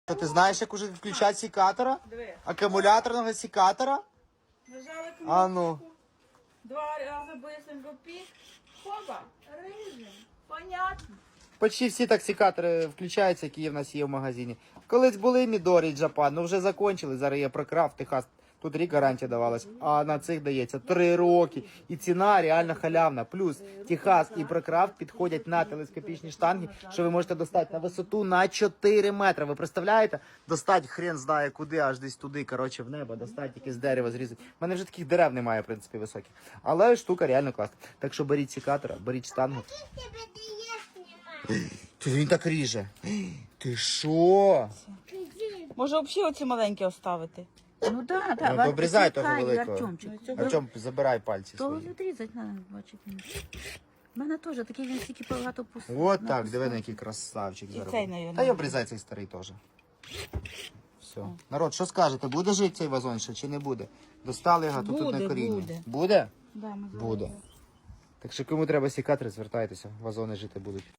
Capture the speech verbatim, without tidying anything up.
Що, ти знаєш, як уже включати секатора? Диви. Акумуляторного секатора? Нажали кнопку. А ну. Два рази быстренько пік. Хоба. Режим. Понятно. Почти всі так секатори включаються, які в нас є в магазині. Колись були Мідорі, Джапан, ну вже закончили. Зараз є Прокрафт, Техас. Тут рік гарантія давалась, а на цих дається три роки. І ціна реально халявна. Плюс Техас і Прокрафт підходять на телескопічні штанги, що ви можете достати на висоту на чотири метри. Ви представляєте? Достать хрен знає куди, аж десь туди, коротше, в небо, достать якесь дерево зрізати. У мене вже таких дерев немає, в принципі, високих. Але штука реально класна. Так що беріть секатора, беріть штангу. Ти він так ріже. Ти що? Може взагалі оці маленькі оставити? Ну да, да. Ну, то обрізай того Чекай, великого. Артемчик. Артем, забирай пальці То свої. відрізати треба, бачите. У мене теж такий, він стільки багато пустив. Вот так, диви на який красавчик І зараз. цей, буде. навіть. Та й обрізай цей старий теж. Все. Народ, що скажете, буде жити цей вазон ще чи не буде? Достали його, тут Буде, одне коріння. буде. Буде? Да, ми Буде. Так що кому треба секатори, звертайтеся, вазони жити будуть.